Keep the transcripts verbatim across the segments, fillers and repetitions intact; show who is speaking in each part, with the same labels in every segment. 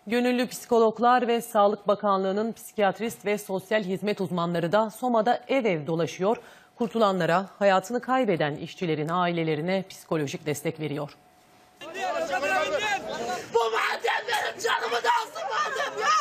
Speaker 1: Gönüllü psikologlar ve Sağlık Bakanlığı'nın psikiyatrist ve sosyal hizmet uzmanları da Soma'da ev ev dolaşıyor. Kurtulanlara, hayatını kaybeden işçilerin ailelerine psikolojik destek veriyor.
Speaker 2: Bu madem benim canımı da alsın madem ya!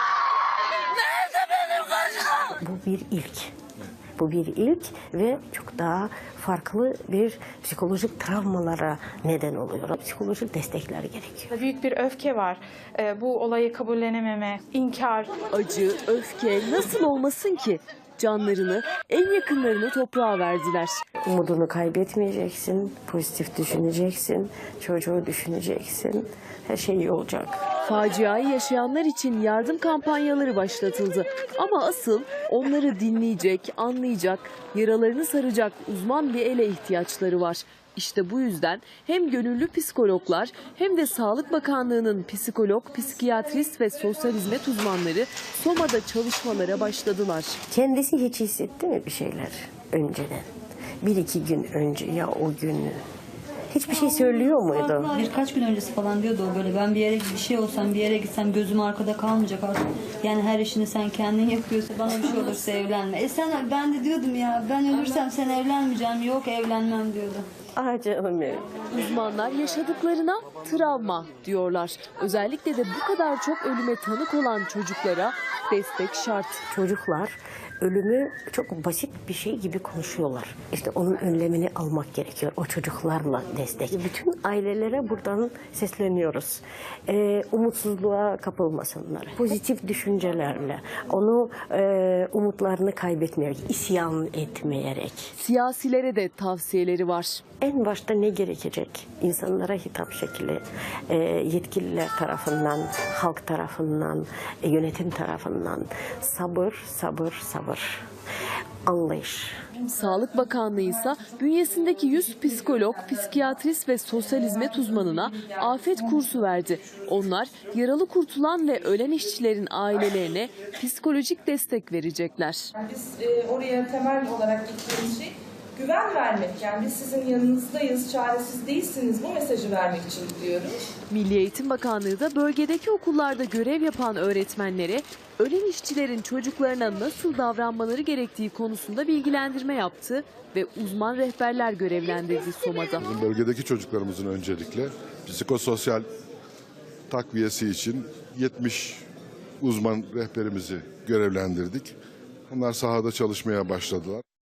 Speaker 2: Nerede benim kocam?
Speaker 3: Bu bir ilk. Bu bir ilk ve çok daha farklı bir psikolojik travmalara neden oluyor. Psikolojik destekler gerekiyor.
Speaker 4: Büyük bir öfke var. Ee, bu olayı kabullenememe, inkar.
Speaker 5: Acı, öfke nasıl olmasın ki? Canlarını, en yakınlarını toprağa verdiler.
Speaker 3: Umudunu kaybetmeyeceksin, pozitif düşüneceksin, çocuğu düşüneceksin. Her şey iyi olacak.
Speaker 5: Faciayı yaşayanlar için yardım kampanyaları başlatıldı. Ama asıl onları dinleyecek, anlayacak, yaralarını saracak uzman bir ele ihtiyaçları var. İşte bu yüzden hem gönüllü psikologlar hem de Sağlık Bakanlığı'nın psikolog, psikiyatrist ve sosyal hizmet uzmanları Soma'da çalışmalara başladılar.
Speaker 3: Kendisi hiç hissetti mi bir şeyler önceden? Bir iki gün önce ya o gün hiçbir şey söylüyor muydu?
Speaker 6: Birkaç gün öncesi falan diyordu o böyle, ben bir yere bir şey olsam, bir yere gitsem gözüm arkada kalmayacak artık. Yani her işini sen kendin yapıyorsa, bana bir şey olursa evlenme. E sen, ben de diyordum ya, ben ölürsem sen evlenmeyeceğim, yok evlenmem diyordu.
Speaker 3: Ah canım benim.
Speaker 5: Uzmanlar yaşadıklarına travma diyorlar. Özellikle de bu kadar çok ölüme tanık olan çocuklara destek şart.
Speaker 3: Çocuklar ölümü çok basit bir şey gibi konuşuyorlar. İşte onun önlemini almak gerekiyor. O çocuklarla destek. Bütün ailelere buradan sesleniyoruz. Ee, umutsuzluğa kapılmasınlar. Pozitif düşüncelerle, onu e, umutlarını kaybetmeyerek, isyan etmeyerek.
Speaker 5: Siyasilere de tavsiyeleri var.
Speaker 3: En başta ne gerekecek? İnsanlara hitap şekli, e, yetkililer tarafından, halk tarafından, e, yönetim tarafından sabır, sabır, sabır, anlayış.
Speaker 5: Sağlık Bakanlığı ise bünyesindeki yüz psikolog, psikiyatrist ve sosyal hizmet uzmanına afet kursu verdi. Onlar yaralı kurtulan ve ölen işçilerin ailelerine psikolojik destek verecekler.
Speaker 7: Biz e, oraya temel olarak gittiğimiz şey güven vermek. Yani biz sizin yanınızdayız, çaresiz değilsiniz, bu mesajı vermek için gidiyoruz.
Speaker 5: Milli Eğitim Bakanlığı da bölgedeki okullarda görev yapan öğretmenlere ölen işçilerin çocuklarına nasıl davranmaları gerektiği konusunda bilgilendirme yaptı ve uzman rehberler görevlendirdi Soma'da.
Speaker 8: Bizim bölgedeki çocuklarımızın öncelikle psikososyal takviyesi için yetmiş uzman rehberimizi görevlendirdik. Onlar sahada çalışmaya başladılar.